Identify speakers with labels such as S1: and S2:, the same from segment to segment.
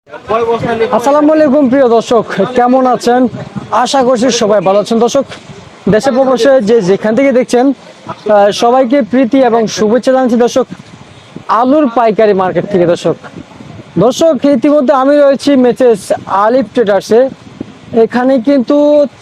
S1: আসসালামু আলাইকুম প্রিয় দর্শক, কেমন আছেন? আশা করছি সবাই ভালো আছেন। দর্শক, দেশে প্রবাসে যে যেখান থেকে দেখছেন সবাইকে প্রীতি এবং শুভেচ্ছা জানাচ্ছি। দর্শক, আলুর পাইকারি মার্কেট থেকে। দর্শক ইতিমধ্যে আমি রয়েছি মেসেস আলিফ ট্রেডার্সে। এখানে কিন্তু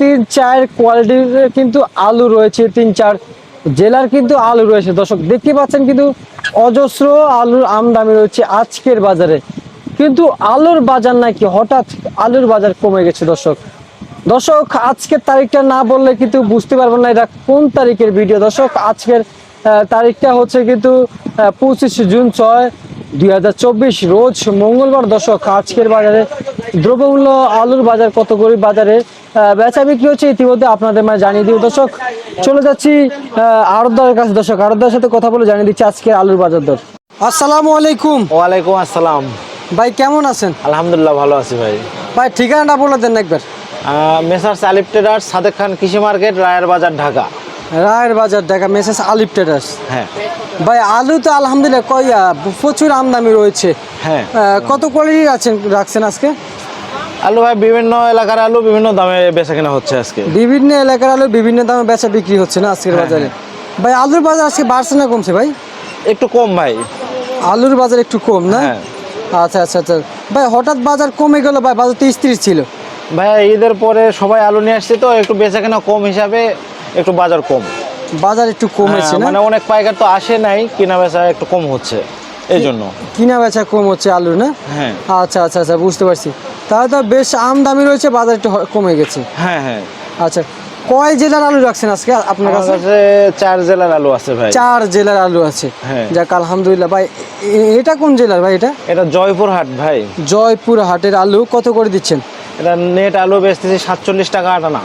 S1: 3-4 কোয়ালিটির কিন্তু আলু রয়েছে, 3-4 জেলার কিন্তু আলু রয়েছে। দর্শক দেখতে পাচ্ছেন কিন্তু অজস্র আলুর আমদানি রয়েছে আজকের বাজারে। কিন্তু আলুর বাজার নাকি হঠাৎ আলুর বাজার কমে গেছে। দর্শক আজকের তারিখটা না বললে কিন্তু বুঝতে পারবেন না এটা কোন তারিখের ভিডিও। দর্শক আজকের তারিখটা হচ্ছে কিন্তু 25 জুন 6, 2024 রোজ মঙ্গলবার। দর্শক আজকের বাজারে দ্রব্যমূল্য আলুর বাজার কত করে বাজারে বেচা বিক্রি হচ্ছে ইতিমধ্যে আপনাদের মানে জানিয়ে দিব। দর্শক চলে যাচ্ছি আড়তদারের কাছে। দর্শক আড়তদারের সাথে কথা বলে জানিয়ে দিচ্ছি আজকে আলুর বাজার দর। আসসালামু আলাইকুম।
S2: ওয়ালাইকুম আসসালাম
S1: ভাই, কেমন আছেন?
S2: আলহামদুলিল্লাহ ভালো আছি ভাই।
S1: ভাই ঠিকানাটা বলে দেন একবার।
S2: মেসার্স আলিফ ট্রেডার্স, সাদেক খান কৃষি মার্কেট, রায়ের বাজার, ঢাকা।
S1: রায়ের বাজার ঢাকা, মেসেস আলিফ ট্রেডার্স।
S2: হ্যাঁ
S1: ভাই, আলু তো আলহামদুলিল্লাহ প্রচুর আমদানি রয়েছে।
S2: হ্যাঁ,
S1: কত কোয়ালিটি রাখছেন আজকে?
S2: আলু ভাই বিভিন্ন এলাকার আলু বিভিন্ন দামে বেচা কেনা হচ্ছে আজকে।
S1: বিভিন্ন এলাকার আলু বিভিন্ন দামে বেচা বিক্রি হচ্ছে না আজকের বাজারে? ভাই আলুর বাজার আজকে বাড়ছে না কমছে ভাই?
S2: একটু কম ভাই,
S1: আলুর বাজার একটু কম না?
S2: হ্যাঁ।
S1: আচ্ছা আচ্ছা আচ্ছা ভাই, হঠাৎ বাজার কমে গেল ভাই, বাজার তো স্থির ছিল।
S2: ভাই ঈদের পরে সবাই আলু নিয়ে আসছে তো একটু বেচা কেনা কম হিসাবে একটু বাজার কম।
S1: বাজার একটু কমেছে না?
S2: মানে অনেক পাইকার তো আসে নাই, কেনা বেচা একটু কম হচ্ছে এই জন্য।
S1: কিনা বেচা কম হচ্ছে আলুর না?
S2: হ্যাঁ
S1: আচ্ছা আচ্ছা আচ্ছা, বুঝতে পারছি। তাহলে তো বেশ আমদামি রয়েছে, বাজার একটু কমে গেছে।
S2: হ্যাঁ হ্যাঁ।
S1: আচ্ছা, কয় জেলার আলু রাখছেন আজকে আপনার কাছে?
S2: 4 জেলার আলু আছে ভাই।
S1: 4 জেলার আলু আছে।
S2: হ্যাঁ
S1: যাক আলহামদুলিল্লাহ। ভাই এটা কোন জেলার ভাই?
S2: এটা জয়পুরহাট ভাই।
S1: জয়পুরহাটের আলু কত করে দিচ্ছেন?
S2: এটা নেট আলু বেচতেছি 47 টাকা আটানা।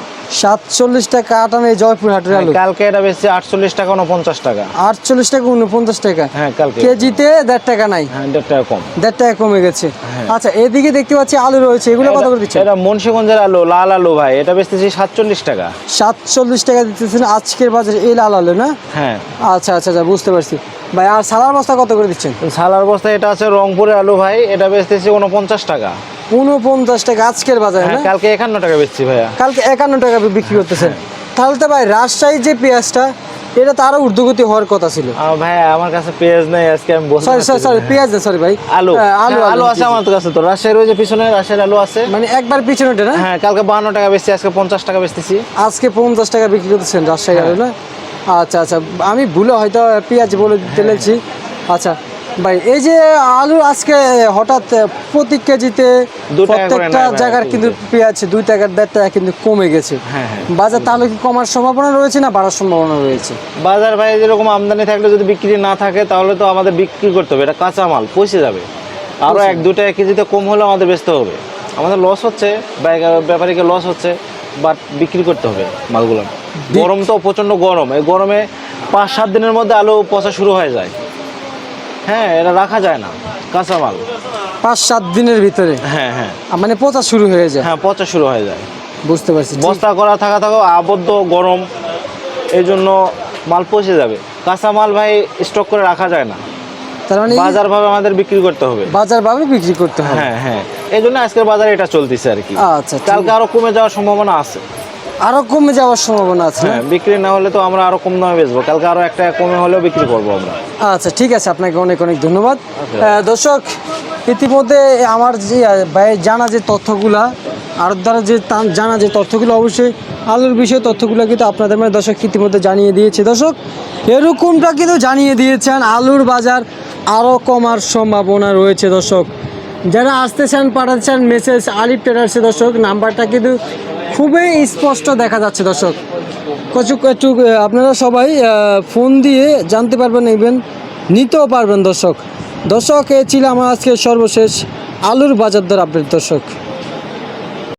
S1: 47 টাকা আটানা এই জয়পুরহাটের আলু।
S2: কালকে এটা বেচছি 48 টাকা 49 টাকা।
S1: 48 টাকা 49 টাকা।
S2: হ্যাঁ কালকে
S1: কেজিতে 1.5 টাকা নাই?
S2: হ্যাঁ 1.5 টাকা কম।
S1: 1.5 টাকা কমে গেছে। আচ্ছা, এদিকে দেখতে পাচ্ছি আলু রয়েছে, এগুলো কত করে দিচ্ছেন?
S2: এটা মুন্সিগঞ্জের আলু, লাল আলু ভাই, এটা বেচতেছি 47 টাকা।
S1: 47 টাকা দিতেছেন আজকের বাজারে এই লাল আলু না?
S2: হ্যাঁ।
S1: আচ্ছা আচ্ছা আচ্ছা, বুঝতে পারছি। ভাই আর সালার বস্তা কত করে দিচ্ছেন?
S2: সালার বস্তা এটা আছে রংপুরের আলু ভাই, এটা বেচতেছি 49 টাকা।
S1: 49 টাকা আজকের বাজারে না?
S2: কালকে 51 টাকা বেচছি ভাইয়া।
S1: কালকে 51 টাকা বিক্রি করতেছেন? তাহলে তো ভাই রাজশাহীর যে পেঁয়াজটা, এটা তো আরো ঊর্ধ্বগতি হওয়ার কথা ছিল।
S2: ভাই আমার কাছে পেঁয়াজ নেই আজকে, আমি বলছি।
S1: সরি পেঁয়াজ না, সরি ভাই,
S2: আলু
S1: আলু
S2: আলু আছে আমার কাছে। তো রাজশাহীর ওই যে পিছনে রাজশাহীর আলু আছে,
S1: মানে একবার পিছনেটা না?
S2: হ্যাঁ কালকে 52 টাকা বেচছি, আজকে 50 টাকা বেচতেছি।
S1: আজকে 50 টাকা বিক্রি করতেছেন রাজশাহী আলু না? আচ্ছা আচ্ছা, আমি ভুলে হয়তো পেঁয়াজ বলে ফেলেছি। আচ্ছা ভাই, এই যে আলু আজকে হঠাৎ প্রতি কেজিতে প্রত্যেকটা জায়গার কিন্তু পেঁয়াজ 2 টাকা 1.5 টাকা কিন্তু কমে গেছে।
S2: হ্যাঁ হ্যাঁ।
S1: বাজার তাহলে কি কমার সম্ভাবনা রয়েছে না বাড়ার সম্ভাবনা রয়েছে?
S2: বাজার ভাই যেরকম আমদানি থাকলে যদি বিক্রি না থাকে তাহলে তো আমাদের বিক্রি করতে হবে, এটা কাঁচা মাল পচে যাবে। আরও 1-2 টাকা কেজিতে কম হলে আমাদের বেচতে হবে। আমাদের লস হচ্ছে, ব্যাপারীকে লস হচ্ছে, বাট বিক্রি করতে হবে মালগুলো। গরম তো প্রচণ্ড গরম, এই গরমে 5-7 দিনের মধ্যে আলু পচা শুরু হয়ে যায়। হ্যাঁ, এটা রাখা যায় না কাঁচা মাল।
S1: 5-7 দিনের ভিতরে?
S2: হ্যাঁ হ্যাঁ,
S1: মানে পচা শুরু হয়ে যায়?
S2: হ্যাঁ পচা শুরু হয়ে যায়।
S1: বুঝতে পারছি।
S2: বস্তা করা থাকা আবদ্ধ গরম, এই জন্য মাল পচে যাবে। কাঁচা মাল ভাই স্টক করে রাখা যায় না,
S1: তার মানে
S2: বাজার ভাবে আমাদের বিক্রি করতে হবে।
S1: বাজার ভাবে বিক্রি করতে হবে।
S2: হ্যাঁ হ্যাঁ, এই জন্য আজকের বাজারে এটা চলতেছে আর কি।
S1: আচ্ছা,
S2: কালকে আরো কমে যাওয়ার সম্ভাবনা আছে।
S1: আরো কমে যাওয়ার সম্ভাবনা আছে?
S2: হ্যাঁ, বিক্রি না হলে তো আমরা আরো কম দামে বেচবো, কালকে আরো 1 টাকা কমে হলেও বিক্রি করবো আমরা।
S1: আচ্ছা ঠিক আছে, আপনাকে অনেক অনেক ধন্যবাদ। দর্শক ইতিমধ্যে আমার যে জানা যে তথ্যগুলা আর দ্বারা যে জানা যে তথ্যগুলো, অবশ্যই আলুর বিষয়ে তথ্যগুলো কিন্তু আপনাদের মানে দর্শক ইতিমধ্যে জানিয়ে দিয়েছে। দর্শক এরকমটা কিন্তু জানিয়ে দিয়েছেন আলুর বাজার আরও কমার সম্ভাবনা রয়েছে। দর্শক যারা আসতে চান পাঠাতে চান মেসেজ আলিফ ট্রেডার্সে। দর্শক নাম্বারটা কিন্তু খুবই স্পষ্ট দেখা যাচ্ছে। দর্শক একটু আপনারা সবাই ফোন দিয়ে জানতে পারবেন, ইভেন নিতেও পারবেন। দর্শক এ ছিল আমার আজকে সর্বশেষ আলুর বাজার দর আপডেট। দর্শক।